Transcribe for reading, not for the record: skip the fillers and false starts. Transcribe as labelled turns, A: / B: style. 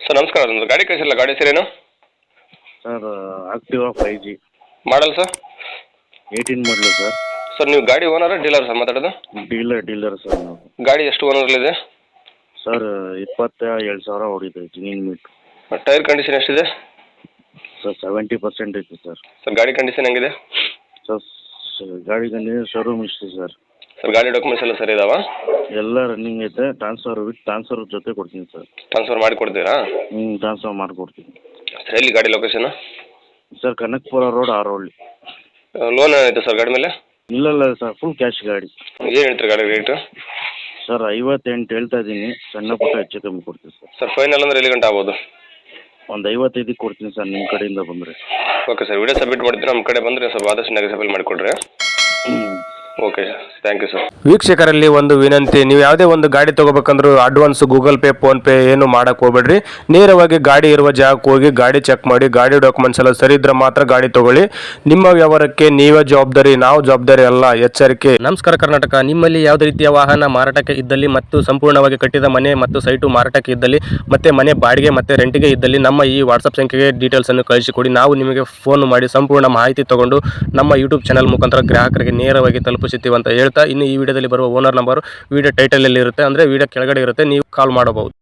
A: Sir ನಮಸ್ಕಾರ, ಒಂದು ಗಾಡಿ ಕಳಿಸಿಲ್ಲ, ಗಾಡಿ ಹೆಸರೇನು?
B: Sir Activa 5G
A: model sir?
B: 18 ಮಾಡಲು ಸರ್.
A: ಸರ್ ನೀವು ಗಾಡಿ ಓನರ ಡೀಲರ್ ಸರ್ ಮಾತಾಡೋದು?
B: ಡೀಲರ್ ಸರ್ ನಾವು.
A: ಗಾಡಿ ಎಷ್ಟು ಓನರಲ್ಲಿದೆ?
B: ಸರ್ 27,000 ಹೊಡಿದೆ ಜಿನಿನ್ ಮೀಟ್.
A: ಟೈರ್ ಕಂಡೀಷನ್ ಎಷ್ಟಿದೆ?
B: ಸರ್ 70% ಐತೆ ಸರ್.
A: ಸರ್ ಗಾಡಿ ಕಂಡೀಷನ್ ಹೆಂಗಿದೆ?
B: ಸರ್ ಗಾಡಿ ಶೋರೂಮ್ ಇಷ್ಟು ಸರ್.
A: ಸರ್ ಗಾಡಿ ಡಾಕ್ಯುಮೆಂಟ್ಸ್ ಎಲ್ಲ ಸರಿ ಇದಾವಾ?
B: ಎಲ್ಲ ರನ್ನಿಂಗ್ ಐತೆ. ಟ್ರಾನ್ಸ್ಫರ್ ಜೊತೆ ಕೊಡ್ತೀನಿ ಸರ್.
A: ಟ್ರಾನ್ಸ್ಫರ್ ಮಾಡಿ ಕೊಡ್ತೀರಾ?
B: ಟ್ರಾನ್ಸ್ಫರ್ ಮಾಡಿಕೊಡ್ತೀನಿ
A: ಸರ್. ಎಲ್ಲಿ ಗಾಡಿ location?
B: Sir Kanakapura road Arohalli.
A: Loan ಏನಾಯ್ತು ಸರ್ ಗಾಡಿ ಮೇಲೆ?
B: ಇಲ್ಲ ಸರ್, ಫುಲ್ ಕ್ಯಾಶ್ ಗಾಡಿ.
A: ಏನು ಹೇಳ್ತೀರಿ ಗಾಡಿ ರೇಟು?
B: ಸರ್ 58 ಹೇಳ್ತಾ ಇದ್ದೀನಿ, ಸಣ್ಣ ಪುಟ್ಟ ಹೆಚ್ಚು ಕಮ್ಮಿ ಕೊಡ್ತೀನಿ ಸರ್.
A: ಸರ್ ಫೈನಲ್ ಅಂದ್ರೆ ಎಲ್ಲಿ ಗಂಟೆ ಆಗ್ಬೋದು?
B: ಒಂದು 55 ಕೊಡ್ತೀನಿ ಸರ್ ನಿಮ್ಮ ಕಡೆಯಿಂದ ಬಂದರೆ.
A: ಓಕೆ ಸರ್, ವಿಡಿಯೋ ಸಬ್ಮಿಟ್ ಮಾಡ್ತೀನಿ. ನಮ್ಮ ಕಡೆ ಬಂದರೆ ಸ್ವಲ್ಪ ಆದಷ್ಟು ನೆಗೆಸಬಲ್ ಮಾಡಿಕೊಡ್ರಿ. Okay thank you sir.
C: ವೀಕ್ಷಕರಲ್ಲಿ ಒಂದು ವಿನಂತಿ, ನೀವು ಯಾವುದೇ ಒಂದು ಗಾಡಿ ತೊಗೋಬೇಕಂದ್ರೂ ಅಡ್ವಾನ್ಸ್ ಗೂಗಲ್ ಪೇ ಫೋನ್ಪೇ ಏನು ಮಾಡಕ್ಕೆ ಹೋಗ್ಬೇಡ್ರಿ. ನೇರವಾಗಿ ಗಾಡಿ ಇರುವ ಜಾಗಕ್ಕೆ ಹೋಗಿ ಗಾಡಿ ಚೆಕ್ ಮಾಡಿ, ಗಾಡಿ ಡಾಕ್ಯುಮೆಂಟ್ಸ್ ಎಲ್ಲ ಸರಿ ಇದ್ರೆ ಮಾತ್ರ ಗಾಡಿ ತಗೊಳ್ಳಿ. ನಿಮ್ಮ ವ್ಯವಹಾರಕ್ಕೆ ನೀವೇ ಜವಾಬ್ದಾರಿ, ನಾವು ಜವಾಬ್ದಾರಿ ಅಲ್ಲ, ಎಚ್ಚರಿಕೆ. ನಮಸ್ಕಾರ ಕರ್ನಾಟಕ. ನಿಮ್ಮಲ್ಲಿ ಯಾವುದೇ ರೀತಿಯ ವಾಹನ ಮಾರಾಟಕ್ಕೆ ಇದ್ದಲ್ಲಿ ಮತ್ತು ಸಂಪೂರ್ಣವಾಗಿ ಕಟ್ಟಿದ ಮನೆ ಮತ್ತು ಸೈಟು ಮಾರಾಟಕ್ಕೆ ಇದ್ದಲ್ಲಿ ಮತ್ತೆ ಮನೆ ಬಾಡಿಗೆ ಮತ್ತು ರೆಂಟಿಗೆ ಇದ್ದಲ್ಲಿ ನಮ್ಮ ಈ ವಾಟ್ಸಪ್ ಸಂಖ್ಯೆಗೆ ಡೀಟೇಲ್ಸನ್ನು ಕಳಿಸಿಕೊಡಿ. ನಾವು ನಿಮಗೆ ಫೋನ್ ಮಾಡಿ ಸಂಪೂರ್ಣ ಮಾಹಿತಿ ತಗೊಂಡು ನಮ್ಮ ಯೂಟ್ಯೂಬ್ ಚಾನಲ್ ಮುಖಾಂತರ ಗ್ರಾಹಕರಿಗೆ ನೇರವಾಗಿ ತಲುಪಿಸುತ್ತೀವಿ ಅಂತ ಹೇಳ್ತಾ, ಇನ್ನು ಈ ವಿಡಿಯೋದಲ್ಲಿ ಬರುವ ಓನರ್ ನಂಬರ್ ವಿಡಿಯೋ ಟೈಟಲಲ್ಲಿ ಇರುತ್ತೆ, ಅಂದರೆ ವಿಡಿಯೋ ಕೆಳಗಡೆ ಇರುತ್ತೆ, ನೀವು ಕಾಲ್ ಮಾಡಬಹುದು.